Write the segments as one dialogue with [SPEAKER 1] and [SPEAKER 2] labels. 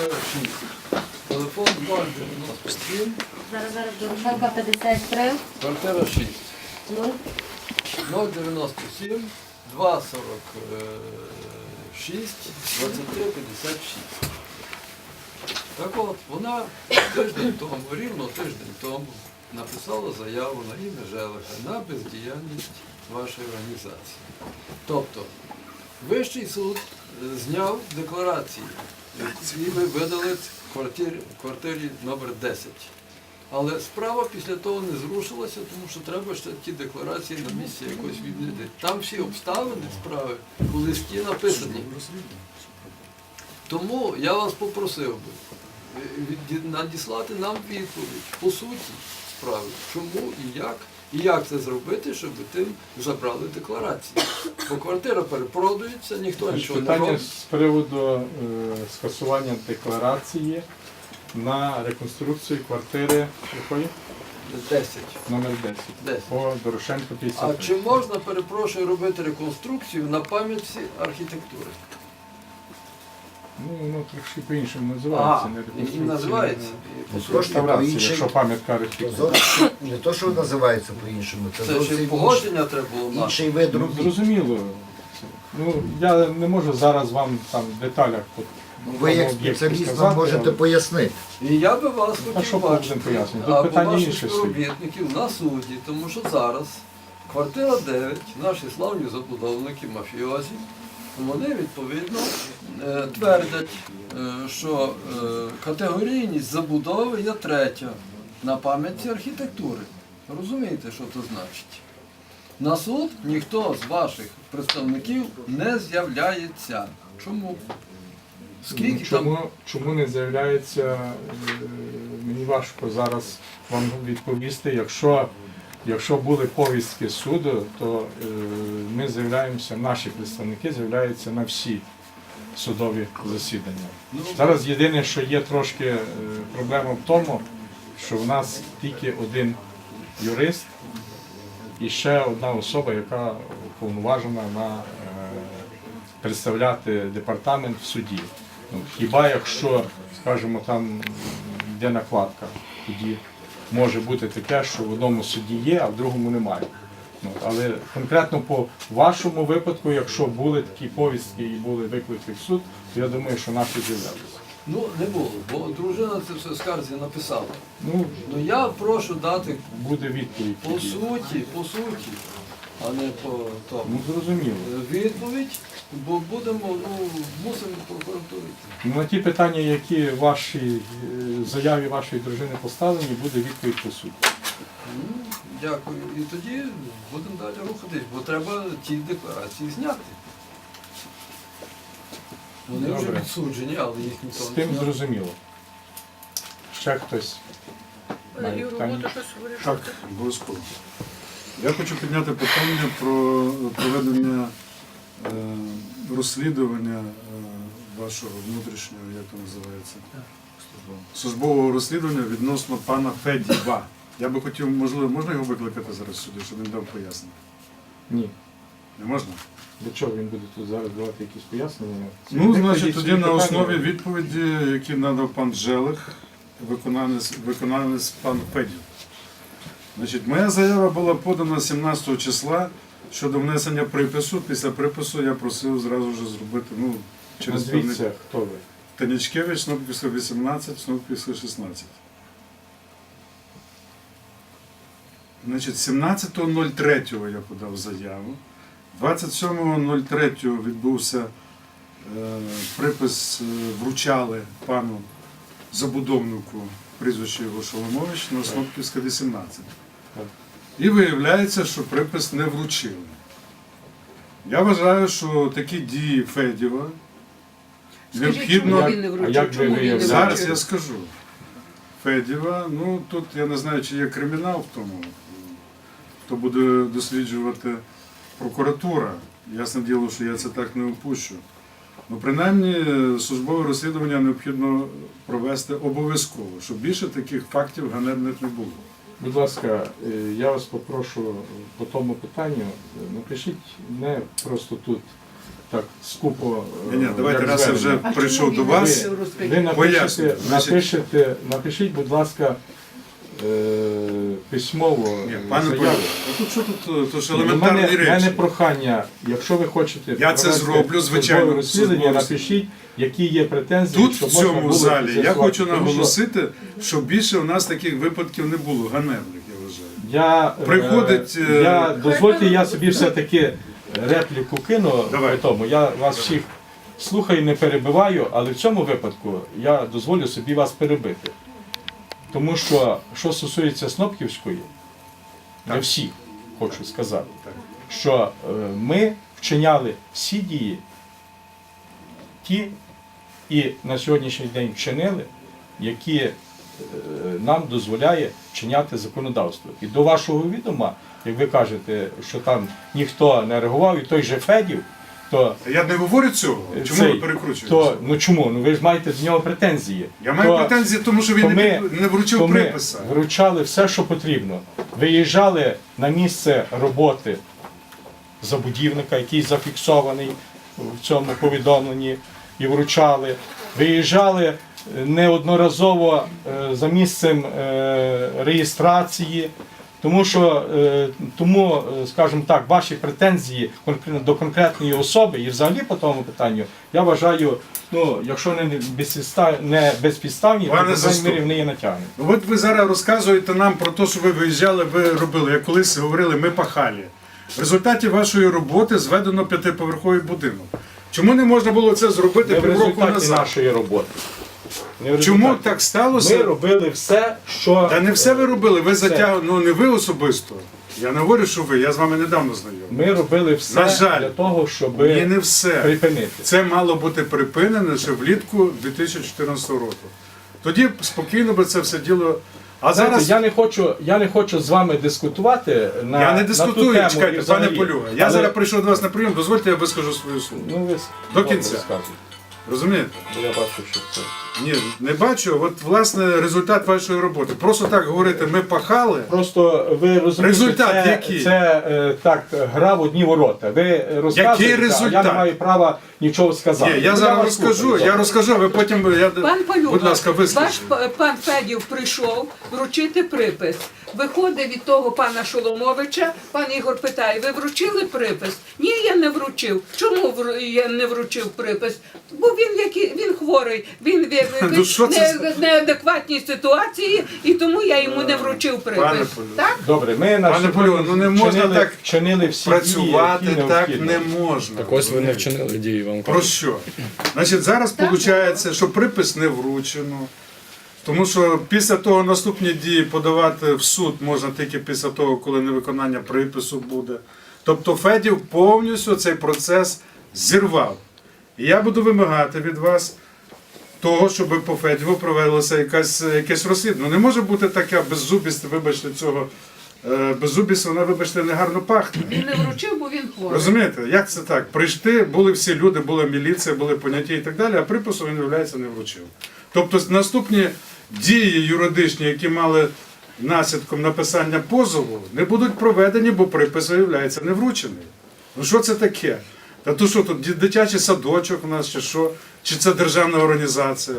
[SPEAKER 1] квартира 6. Телефон 097,
[SPEAKER 2] Зараз Дорошенка 53,
[SPEAKER 1] квартира 6.
[SPEAKER 2] 0.
[SPEAKER 1] 097, 246, 23, 56. Так от, вона тиждень тому, рівно тиждень тому, написала заяву на ім'я Желеха на бездіяльність вашої організації. Тобто, Вищий суд зняв декларації, які ви видали в квартирі номер 10. Але справа після того не зрушилася, тому що треба ще ті декларації на місці якось відмінити. Там всі обставини справи у листі написані. Тому я вас попросив би надіслати нам відповідь по суті справи, чому і як це зробити, щоб тим забрали декларації. Бо квартира перепродується, ніхто нічого не
[SPEAKER 3] Питання
[SPEAKER 1] робить.
[SPEAKER 3] з приводу скасування декларації на реконструкцію квартири якої?
[SPEAKER 1] 10.
[SPEAKER 3] Номер 10.
[SPEAKER 1] 10.
[SPEAKER 3] По Дорошенко
[SPEAKER 1] А
[SPEAKER 3] 53.
[SPEAKER 1] чи можна, перепрошую, робити реконструкцію на пам'ятці архітектури?
[SPEAKER 3] Ну, воно трошки по-іншому називається. не
[SPEAKER 1] І
[SPEAKER 3] реконструкція,
[SPEAKER 1] називається.
[SPEAKER 3] а
[SPEAKER 1] По суті.
[SPEAKER 3] реставрація, якщо пам'ятка архітектури.
[SPEAKER 4] Не то, що називається по-іншому, це
[SPEAKER 1] Це ще й
[SPEAKER 4] зовсім
[SPEAKER 1] погодження треба було мати.
[SPEAKER 4] інший вид
[SPEAKER 3] Ну,
[SPEAKER 4] робіт.
[SPEAKER 3] зрозуміло. Ну, я не можу зараз вам там в деталях по
[SPEAKER 4] Ви як
[SPEAKER 3] тому об'єкту
[SPEAKER 4] спеціаліст
[SPEAKER 3] сказати,
[SPEAKER 4] нам можете
[SPEAKER 3] але-
[SPEAKER 4] пояснити.
[SPEAKER 1] І я би вас
[SPEAKER 3] що
[SPEAKER 1] хотів
[SPEAKER 3] будемо
[SPEAKER 1] бачити,
[SPEAKER 3] пояснювати? Тут
[SPEAKER 1] або
[SPEAKER 3] питання
[SPEAKER 1] ваших
[SPEAKER 3] інше стоїть.
[SPEAKER 1] співробітників на суді, тому що зараз квартира 9, наші славні забудовники, мафіозі, вони відповідно твердять, що категорійність забудови є третя на пам'ятці архітектури. Розумієте, що це значить? На суд ніхто з ваших представників не з'являється. Чому? Скільки там?
[SPEAKER 3] Чому не з'являється, мені важко зараз вам відповісти. Якщо були повістки суду, то ми з'являємося, наші представники з'являються на всі судові засідання. Зараз єдине, що є трошки проблема в тому, що в нас тільки один юрист і ще одна особа, яка уповноважена на представляти департамент в суді. Ну, хіба якщо, скажімо, там йде накладка, тоді може бути таке, що в одному суді є, а в другому немає. Ну, але конкретно по вашому випадку, якщо були такі повістки і були виклики в суд, то я думаю, що наші з'являлися.
[SPEAKER 1] Ну, не було, бо дружина це все в скарзі написала.
[SPEAKER 3] Ну,
[SPEAKER 1] Ну я прошу дати
[SPEAKER 3] буде відповідь.
[SPEAKER 1] по
[SPEAKER 3] тоді.
[SPEAKER 1] суті, а не по тому.
[SPEAKER 3] Ну, зрозуміло.
[SPEAKER 1] Відповідь, бо мусимо прокуратурі.
[SPEAKER 3] Ну, на ті питання, які в вашій заяві вашої дружини поставлені, буде відповідь по суті.
[SPEAKER 1] Ну, дякую. І тоді будемо далі рухатись, бо треба ті декларації зняти. Вони вже
[SPEAKER 3] Добре.
[SPEAKER 1] відсуджені, але їх
[SPEAKER 3] З
[SPEAKER 1] ніхто не
[SPEAKER 3] тим
[SPEAKER 1] зняв.
[SPEAKER 3] зрозуміло. Ще хтось має питання?
[SPEAKER 5] Так, обов'язково. Я хочу підняти питання про проведення розслідування вашого внутрішнього, як це називається, службового розслідування відносно пана Федіва. Я би хотів, можливо, можна його викликати зараз сюди, щоб він дав пояснення?
[SPEAKER 3] Ні.
[SPEAKER 5] Не можна?
[SPEAKER 3] Для чого він буде тут зараз давати якісь пояснення?
[SPEAKER 5] Ну, значить,
[SPEAKER 3] Відповідь
[SPEAKER 5] тоді
[SPEAKER 3] свої
[SPEAKER 5] на
[SPEAKER 3] питання.
[SPEAKER 5] основі відповіді, які надав пан Желех, виконавець пан Федів. Значить, моя заява була подана 17 числа щодо внесення припису. Після припису я просив зразу ж зробити, через
[SPEAKER 3] Назвіться, хто ви?
[SPEAKER 5] Танічкевич, Снопківська 18, Снопківська 16. Значить, 17.03 я подав заяву. 27.03 відбувся припис, вручали пану забудовнику, прізвище його Шоломович, на Снопківська 18.
[SPEAKER 3] Так.
[SPEAKER 5] І виявляється, що припис не вручили. Я вважаю, що такі дії Федєва необхідно.
[SPEAKER 3] А як ви виявляєте?
[SPEAKER 5] Зараз я скажу. Федєва, тут я не знаю, чи є кримінал в тому, хто буде досліджувати прокуратура. Ясне діло, що я це так не опущу. Принаймні, службове розслідування необхідно провести обов'язково, щоб більше таких фактів ганебних не було.
[SPEAKER 3] Будь ласка, я вас попрошу по тому питанню, напишіть не просто тут так скупо.
[SPEAKER 5] Ні, давайте,
[SPEAKER 3] як
[SPEAKER 5] раз я вже
[SPEAKER 3] звернення.
[SPEAKER 5] прийшов до вас.
[SPEAKER 3] Ви
[SPEAKER 5] Поясню.
[SPEAKER 3] напишіть, будь ласка, письмово
[SPEAKER 5] Ні, пане
[SPEAKER 3] заяву.
[SPEAKER 5] Полю, тут що тут? То ж
[SPEAKER 3] У
[SPEAKER 5] елементарні
[SPEAKER 3] мене
[SPEAKER 5] речі.
[SPEAKER 3] прохання, якщо ви хочете
[SPEAKER 5] Я це
[SPEAKER 3] провести
[SPEAKER 5] зроблю, звичайно,
[SPEAKER 3] службове розслідування,
[SPEAKER 5] службове
[SPEAKER 3] напишіть, які є претензії,
[SPEAKER 5] Тут,
[SPEAKER 3] щоб
[SPEAKER 5] в
[SPEAKER 3] можна
[SPEAKER 5] цьому
[SPEAKER 3] було
[SPEAKER 5] залі, я
[SPEAKER 3] з'ясувати.
[SPEAKER 5] хочу
[SPEAKER 3] Тому що
[SPEAKER 5] наголосити, що більше у нас таких випадків не було, ганебних, я вважаю.
[SPEAKER 3] Приходить, дозвольте, я собі все-таки репліку кину.
[SPEAKER 5] Давай.
[SPEAKER 3] При тому. Я вас всіх слухаю, не перебиваю, але в цьому випадку я дозволю собі вас перебити. Тому що стосується Снопківської, для
[SPEAKER 5] Так.
[SPEAKER 3] всіх хочу сказати,
[SPEAKER 5] Так.
[SPEAKER 3] що ми вчиняли всі дії, ті і на сьогоднішній день вчинили, які нам дозволяє вчиняти законодавство. І до вашого відома, як ви кажете, що там ніхто не реагував, і той же Федів, то
[SPEAKER 5] Я не говорю цього. Чому ви перекручуєте?
[SPEAKER 3] ну чому? Ну ви ж маєте до нього претензії.
[SPEAKER 5] Я маю претензії, тому що він не вручив
[SPEAKER 3] ми
[SPEAKER 5] приписа.
[SPEAKER 3] вручали все, що потрібно. Виїжджали на місце роботи забудівника, який зафіксований в цьому повідомленні, і вручали. Виїжджали неодноразово за місцем реєстрації. Тому, скажімо так, ваші претензії до конкретної особи і взагалі по тому питанню, я вважаю, ну, якщо не безпідставні, то
[SPEAKER 5] Пане
[SPEAKER 3] по крайній
[SPEAKER 5] заступник.
[SPEAKER 3] мірі вони є натягнені.
[SPEAKER 5] Ну, от ви зараз розказуєте нам про те, що ви виїжджали, ви робили. Як колись говорили, ми пахали. В результаті вашої роботи зведено 5-поверховий будинок. Чому не можна було це зробити
[SPEAKER 3] Не в
[SPEAKER 5] півроку
[SPEAKER 3] результаті
[SPEAKER 5] назад?
[SPEAKER 3] нашої роботи. Не в
[SPEAKER 5] Чому
[SPEAKER 3] результаті.
[SPEAKER 5] так сталося?
[SPEAKER 3] Ми робили все, що...
[SPEAKER 5] Та не все ви робили, ви
[SPEAKER 3] Все.
[SPEAKER 5] затягнули, ну не ви особисто. Я не говорю, що ви, я з вами недавно знайомий.
[SPEAKER 3] Ми робили все
[SPEAKER 5] На жаль.
[SPEAKER 3] для того, щоб
[SPEAKER 5] Ні, не все.
[SPEAKER 3] припинити.
[SPEAKER 5] Це мало бути припинено ще влітку 2014 року. Тоді спокійно би це все діло. А
[SPEAKER 3] Знаєте,
[SPEAKER 5] зараз
[SPEAKER 3] я не хочу з вами дискутувати на
[SPEAKER 5] я не
[SPEAKER 3] на ту
[SPEAKER 5] дискутую,
[SPEAKER 3] тему
[SPEAKER 5] чекайте,
[SPEAKER 3] і
[SPEAKER 5] пане
[SPEAKER 3] взагалі.
[SPEAKER 5] Полюга. Я
[SPEAKER 3] Але-
[SPEAKER 5] зараз прийшов до вас на прийом, дозвольте, я вискажу свою слово.
[SPEAKER 3] Ну, ви
[SPEAKER 5] До
[SPEAKER 3] добре
[SPEAKER 5] кінця.
[SPEAKER 3] розказуйте.
[SPEAKER 5] Розумієте?
[SPEAKER 3] Бо я бачу, що це.
[SPEAKER 5] Ні, не бачу. От власне результат вашої роботи. Просто так говорити, ми пахали.
[SPEAKER 3] Просто ви розумієте,
[SPEAKER 5] Результат
[SPEAKER 3] це,
[SPEAKER 5] який?
[SPEAKER 3] так, гра в одні ворота. Ви розказуєте, а
[SPEAKER 5] результат?
[SPEAKER 3] я не маю права нічого сказати.
[SPEAKER 5] Ні, я
[SPEAKER 3] Ну,
[SPEAKER 5] зараз
[SPEAKER 3] вас
[SPEAKER 5] розкажу,
[SPEAKER 3] слухаю.
[SPEAKER 5] я розкажу, ви потім
[SPEAKER 6] Пан Полюга,
[SPEAKER 5] будь ласка,
[SPEAKER 6] ваш
[SPEAKER 5] вискажіть.
[SPEAKER 6] пан Федів прийшов вручити припис. Виходить від того пана Шоломовича, пан Ігор питає, ви вручили припис? Ні, я не вручив. Чому я не вручив припис? Бо він хворий, він
[SPEAKER 5] Ну, що це
[SPEAKER 6] в неадекватній ситуації, і тому я йому не вручив
[SPEAKER 5] Пане
[SPEAKER 6] припис.
[SPEAKER 5] Полюга.
[SPEAKER 6] Так?
[SPEAKER 3] Добре, ми на
[SPEAKER 5] Пане
[SPEAKER 3] сьогодні
[SPEAKER 5] Полюга, ну не можна так
[SPEAKER 3] вчинили всі
[SPEAKER 5] працювати,
[SPEAKER 3] дії, які
[SPEAKER 5] так
[SPEAKER 3] необхідно.
[SPEAKER 5] не можна.
[SPEAKER 7] Так ось ви не вчинили дії, вам
[SPEAKER 5] Про
[SPEAKER 7] кажуть.
[SPEAKER 5] що? Значить, зараз виходить, що припис не вручено. Тому що після того наступні дії подавати в суд можна тільки після того, коли невиконання припису буде. Тобто Федів повністю цей процес зірвав. І я буду вимагати від вас того, щоб по Федіву провелося якесь розслідування. Не може бути така беззубість, вибачте, цього. Беззубість, вона, вибачте, негарно пахне.
[SPEAKER 6] Він не вручив, бо він хворий.
[SPEAKER 5] Розумієте, як це так? Прийшли, були всі люди, була міліція, були поняття і так далі, а припису він, виявляється, не вручив. Тобто наступні дії юридичні, які мали наслідком написання позову, не будуть проведені, бо припис, виявляється, не вручений. Ну що це таке? Та то що тут, дитячий садочок у нас, чи що? Чи це державна організація?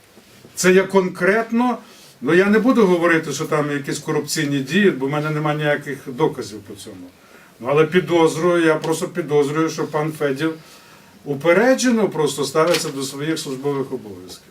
[SPEAKER 5] Це є конкретно, ну я не буду говорити, що там якісь корупційні дії, бо в мене немає ніяких доказів по цьому. Ну, але підозрюю, я просто підозрюю, що пан Федів упереджено просто ставиться до своїх службових обов'язків.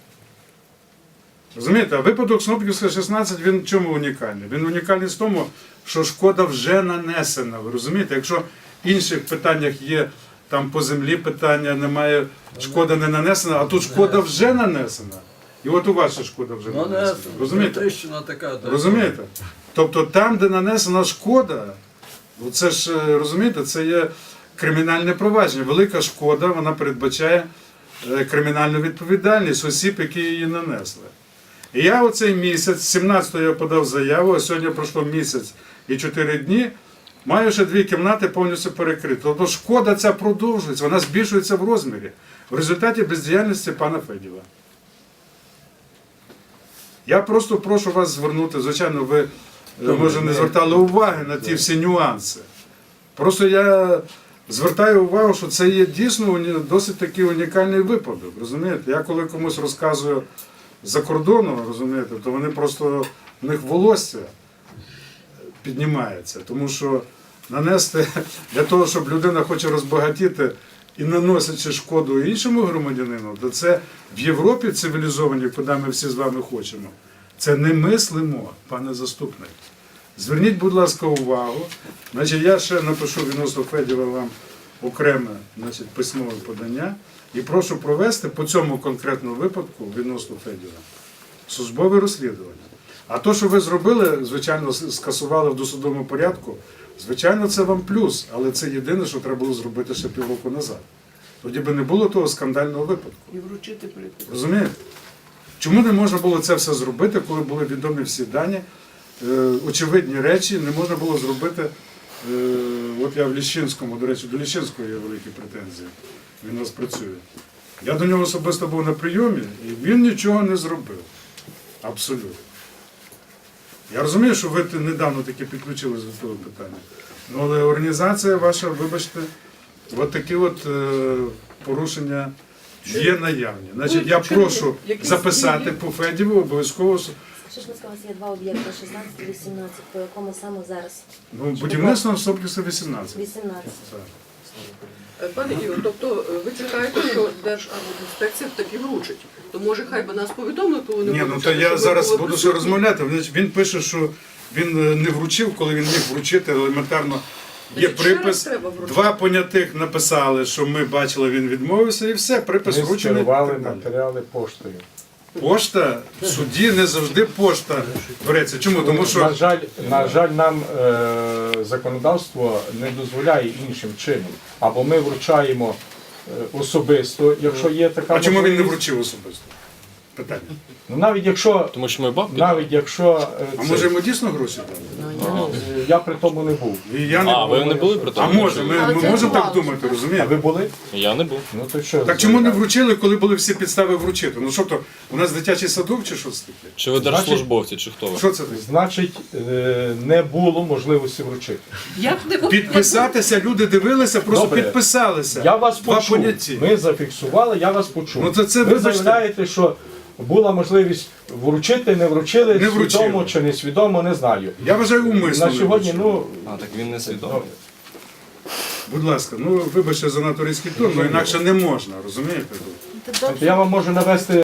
[SPEAKER 5] Розумієте, а випадок Снопківська 16, він в чому унікальний? Він унікальний в тому, що шкода вже нанесена. Ви розумієте? Якщо в інших питаннях є там по землі питання, немає, шкода не нанесена, а тут шкода вже нанесена. І от у вас ще шкода вже
[SPEAKER 1] Ну,
[SPEAKER 5] нанесена. Розумієте?
[SPEAKER 1] тріщина така. так.
[SPEAKER 5] Розумієте? Тобто там, де нанесена шкода, ну, це ж, розумієте, це є кримінальне провадження. Велика шкода, вона передбачає кримінальну відповідальність осіб, які її нанесли. І я оцей місяць, 17-го я подав заяву, а сьогодні пройшло місяць і 4 дні, маю ще 2 кімнати повністю перекриті. Тобто шкода ця продовжується, вона збільшується в розмірі в результаті бездіяльності пана Федєва. Я просто прошу вас звернути, звичайно, ви може не звертали уваги на ті всі нюанси. Просто я звертаю увагу, що це є дійсно досить такий унікальний випадок. Розумієте? Я коли комусь розказую за кордону, розумієте, то вони просто в них волосся піднімається. Тому що нанести для того, щоб людина хоче розбагатіти і наносячи шкоду іншому громадянину, то це в Європі цивілізованій, куди ми всі з вами хочемо. Це немислимо, пане заступник. Зверніть, будь ласка, увагу. Значить, я ще напишу відносно Федєва вам окреме, значить, письмове подання і прошу провести по цьому конкретному випадку відносно Федєва службове розслідування. А то, що ви зробили, звичайно, скасували в досудовому порядку, звичайно, це вам плюс, але це єдине, що треба було зробити ще півроку назад. Тоді би не було того скандального випадку.
[SPEAKER 6] І вручити припис.
[SPEAKER 5] Розумієте? Чому не можна було це все зробити, коли були відомі всі дані, очевидні речі, не можна було зробити, от я в Ліщинському, до речі, до Ліщинського є великі претензії, він у нас працює. Я до нього особисто був на прийомі, і він нічого не зробив. Абсолютно. Я розумію, що ви недавно таки підключились до того питання. Ну, але організація ваша, вибачте, от такі от порушення є наявні. Значить, я прошу записати по Федєву обов'язково.
[SPEAKER 2] Шишманська у вас є два об'єкти, 16 і 18, по якому саме зараз?
[SPEAKER 5] Ну, будівництво в Собкіса 18.
[SPEAKER 2] 18.
[SPEAKER 5] Так.
[SPEAKER 8] Пане Ігор, тобто ви чекаєте, що Держархбудінспекція таки вручить. То може хай би нас повідомили, коли не
[SPEAKER 5] Ні, ну
[SPEAKER 8] вручать,
[SPEAKER 5] то я
[SPEAKER 8] щоб ви
[SPEAKER 5] зараз
[SPEAKER 8] були
[SPEAKER 5] буду ще
[SPEAKER 8] присутні.
[SPEAKER 5] розмовляти. Він пише, що він не вручив, коли він міг вручити елементарно. Є
[SPEAKER 8] Значить, ще раз
[SPEAKER 5] припис,
[SPEAKER 8] треба вручити.
[SPEAKER 5] два понятих написали, що ми бачили, він відмовився, і все, припис
[SPEAKER 3] Ми
[SPEAKER 5] вручений. і
[SPEAKER 3] скерували
[SPEAKER 5] так далі.
[SPEAKER 3] матеріали поштою.
[SPEAKER 5] Пошта в суді не завжди пошта береться. Чому? Тому що
[SPEAKER 3] На жаль, нам законодавство не дозволяє іншим чином. Або ми вручаємо особисто, якщо є така
[SPEAKER 5] а чому він не
[SPEAKER 3] можливість.
[SPEAKER 5] вручив особисто? Питання.
[SPEAKER 3] Ну, навіть якщо,
[SPEAKER 7] Тому що ми бабки.
[SPEAKER 3] навіть якщо
[SPEAKER 5] А
[SPEAKER 3] це-
[SPEAKER 5] може йому дійсно гроші дали?
[SPEAKER 3] я при тому не був.
[SPEAKER 5] І я не
[SPEAKER 7] А, ви не були при
[SPEAKER 5] А
[SPEAKER 7] тому?
[SPEAKER 5] може, ми можемо так думати,
[SPEAKER 3] А
[SPEAKER 5] розумієте?
[SPEAKER 3] ви були?
[SPEAKER 7] Я не був.
[SPEAKER 3] Ну то що?
[SPEAKER 5] Так чому не вручили, коли були всі підстави вручити? Ну що то, у нас дитячий садок чи що це таке?
[SPEAKER 7] Чи ви держслужбовці, чи хто ви?
[SPEAKER 5] Що це таке?
[SPEAKER 3] Значить, не було можливості вручити.
[SPEAKER 6] Як не
[SPEAKER 5] Підписатися, люди дивилися, просто
[SPEAKER 3] Добре.
[SPEAKER 5] підписалися.
[SPEAKER 3] Я вас
[SPEAKER 5] Два
[SPEAKER 3] почув.
[SPEAKER 5] поняття.
[SPEAKER 3] Ми зафіксували, я вас почув.
[SPEAKER 5] Ну, це
[SPEAKER 3] ви
[SPEAKER 5] вибачте.
[SPEAKER 3] заявляєте, що була можливість вручити, не вручили,
[SPEAKER 5] Не вручили.
[SPEAKER 3] свідомо чи не свідомо, не знаю.
[SPEAKER 5] Я вважаю умисно.
[SPEAKER 3] На
[SPEAKER 5] не
[SPEAKER 3] сьогодні,
[SPEAKER 5] вручили.
[SPEAKER 3] ну,
[SPEAKER 7] А, так він не свідомий.
[SPEAKER 5] Будь ласка, ну вибачте за надто різкий тон, але інакше не можна, розумієте?
[SPEAKER 3] я вам можу навести